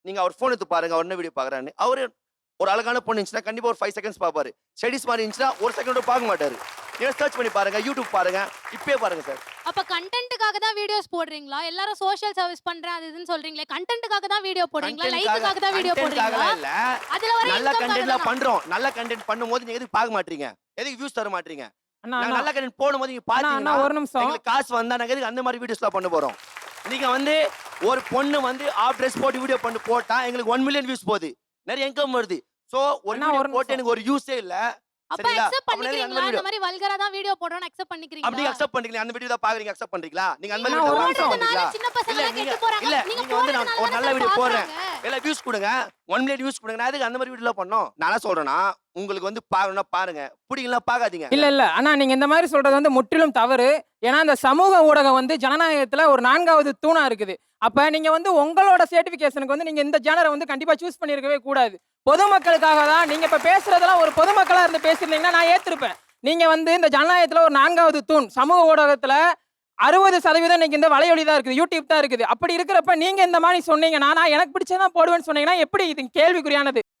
நீங்க அவர் ஃபோன் எடுத்து பாருங்க. அவர் என்ன வீடியோ பார்க்குறாருன்னு. அவரு ஒரு அழகான பொண்ணு இருந்துச்சுன்னா, கண்டிப்பா ஒரு 5 செகண்ட்ஸ் பார்ப்பாரு. ஸ்டடீஸ் மாரி இருந்துச்சுன்னா, 1 செகண்ட் கூட பார்க்க மாட்டாரு. நீங்க சர்ச் பண்ணி பாருங்க. யூடியூப் பாருங்க. இப்பயே பாருங்க சார். அப்ப கண்டென்ட்க்காக தான் வீடியோஸ் போடுறீங்களா? எல்லாரும் சோஷியல் சர்வீஸ் பண்றேன் அது இதுன்னு சொல்றீங்களே. கண்டென்ட்க்காக தான் வீடியோ போடுறீங்களா? லைக்குக்காக தான் வீடியோ போடுறீங்களா? கண்டென்ட்காகலாம் இல்ல. அதுல வர நல்ல இன்கம் கண்டென்ட்லாம் தான. பண்றோம். நல்ல கண்டென்ட் பண்ணும்போது நீங்க எதுக்கு பார்க்க மாட்றீங்க? எதுக்கு வியூஸ் தர மாட்றீங்க? அண்ணா நாங்க அண்ணா நல்ல கண்டென்ட் போடும்போது நீங்க அண்ணா பார்த்தீங்கன்னா, ஒரு நிமிஷம். எங்களுக்கு காசு வந்தா நாங்க எதுக்கு அந்த மாரி வீடியோஸ்லாம் பண்ண போறோம்? நீங்க வந்து ஒரு பொண்ணு வந்து ஆஃப் ட்ரெஸ் போட்டு வீடியோ போட்டா எங்களுக்கு 1 மில்லியன் வியூஸ் போகுது. நிறைய இன்கம் வருது. சோ ஒரு அண்ணா, வீடியோ ஒரு போட்டு நிமிஷம். எனக்கு ஒரு யூஸே இல்ல. அப்ப சரிங்களா? அக்செப்ட் அப்ப எதுக்கு அந்த பண்ணிக்கிறீங்களா? வீடியோ? இந்த மாதிரி வல்கரா தான் வீடியோ போடுறோம்னு அக்செப்ட் அப்படி பண்ணிக்கிறீங்களா? அக்செப்ட் பண்ணிக்கலாம். அந்த வீடியோ தான் பாக்குறீங்க அக்செப்ட் பண்றீங்களா? நீங்க அந்த மாதிரி அண்ணா, வீடியோ ஒரு அக்செப்ட் நிமிஷம். பண்றீங்களா? சின்ன பசங்க இல்ல எல்லாம் நீங்க கெட்டு போறாங்க. இல்ல நீங்க நீங்க வந்து நான் ஒரு போடுறதுனால நல்ல தானே வீடியோ போடுறேன். பாக்குறாங்க. இல்ல வியூஸ் கொடுங்க. 1 மில்லியன் வியூஸ் கொடுங்க. நான் எதுக்கு அந்த மாதிரி வீடியோலாம் பண்ணணும்? நான் என்ன சொல்றேன்னா, உங்களுக்கு வந்து பார்க்கணும்னா பாருங்க. பிடிக்கலனா பார்க்காதீங்க. இல்ல அண்ணா நீங்க இந்த மாதிரி சொல்றது வந்து முற்றிலும் தவறு. ஏன்னா இந்த சமூக ஊடகம் வந்து ஜனநாயகத்துல ஒரு 4வது தூணா இருக்குது. அப்ப நீங்க வந்து உங்களோட சர்டிபிகேஷனுக்கு வந்து நீங்க இந்த ஜேனரை வந்து கண்டிப்பா சூஸ் பண்ணியிருக்கவே கூடாது. பொதுமக்களுக்காக தான் நீங்க இப்ப பேசுறதெல்லாம் ஒரு பொதுமக்களா இருந்து பேசிருந்தீங்கன்னா நான் ஏத்திருப்பேன். நீங்க வந்து இந்த ஜனநாயகத்துல ஒரு 4வது தூண் சமூக ஊடகத்துல 60% இன்னைக்கு இந்த வலையொலி தான் இருக்குது, யூடியூப் தான் இருக்குது. அப்படி இருக்கிறப்ப நீங்க இந்த மாதிரி சொன்னீங்கன்னா நான் எனக்கு பிடிச்சதான் போடுவேன்னு சொன்னீங்கன்னா எப்படி இது கேள்விக்குறியானது?